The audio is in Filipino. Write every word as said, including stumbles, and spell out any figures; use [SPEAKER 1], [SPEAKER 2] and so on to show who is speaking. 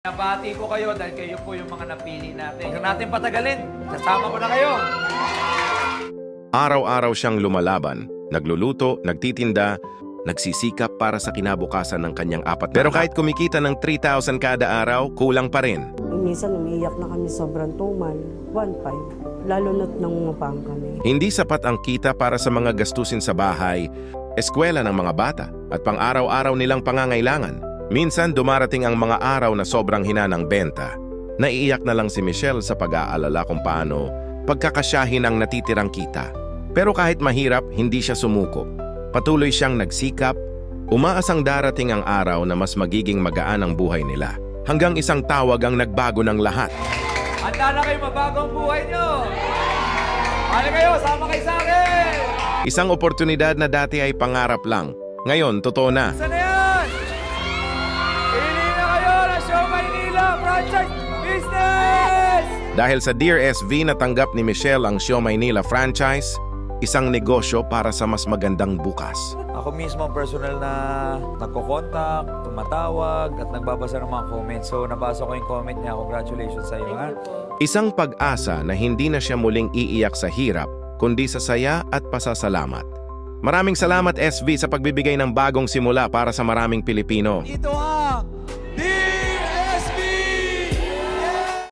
[SPEAKER 1] Nabati ko kayo dahil kayo po yung mga napili natin. Huwag natin patagalin. Kasama ko na kayo.
[SPEAKER 2] Araw-araw siyang lumalaban, nagluluto, nagtitinda, nagsisikap para sa kinabukasan ng kanyang apat. Pero kahit kumikita ng three thousand kada araw, kulang pa rin.
[SPEAKER 3] Minsan umiiyak na kami sobrang tumal, one five. Lalo na't nangungapang kami.
[SPEAKER 2] Hindi sapat ang kita para sa mga gastusin sa bahay, eskwela ng mga bata, at pang-araw-araw nilang pangangailangan. Minsan dumarating ang mga araw na sobrang hina ng benta. Naiiyak na lang si Michelle sa pag-aalala kung paano pagkakasyahin ang natitirang kita. Pero kahit mahirap, hindi siya sumuko. Patuloy siyang nagsikap, umaasang darating ang araw na mas magiging magaan ang buhay nila. Hanggang isang tawag ang nagbago ng lahat.
[SPEAKER 1] Handa na kayo mabago ang buhay nyo. Hali kayo, sama kayo sa akin.
[SPEAKER 2] Isang oportunidad na dati ay pangarap lang. Ngayon, totoo na.
[SPEAKER 1] Saan na yan? Pili na kayo na Show Maynila Franchise Business!
[SPEAKER 2] Dahil sa Dear S V natanggap ni Michelle ang Show Maynila franchise, isang negosyo para sa mas magandang bukas.
[SPEAKER 1] Ako mismo ang personal na nagko-contact, tumatawag, at nagbabasa ng mga comments. So, nabasa ko yung comment niya. Congratulations sa iyo, ha?
[SPEAKER 2] Isang pag-asa na hindi na siya muling iiyak sa hirap, kundi sa saya at pasasalamat. Maraming salamat S V sa pagbibigay ng bagong simula para sa maraming Pilipino.
[SPEAKER 1] Ito ang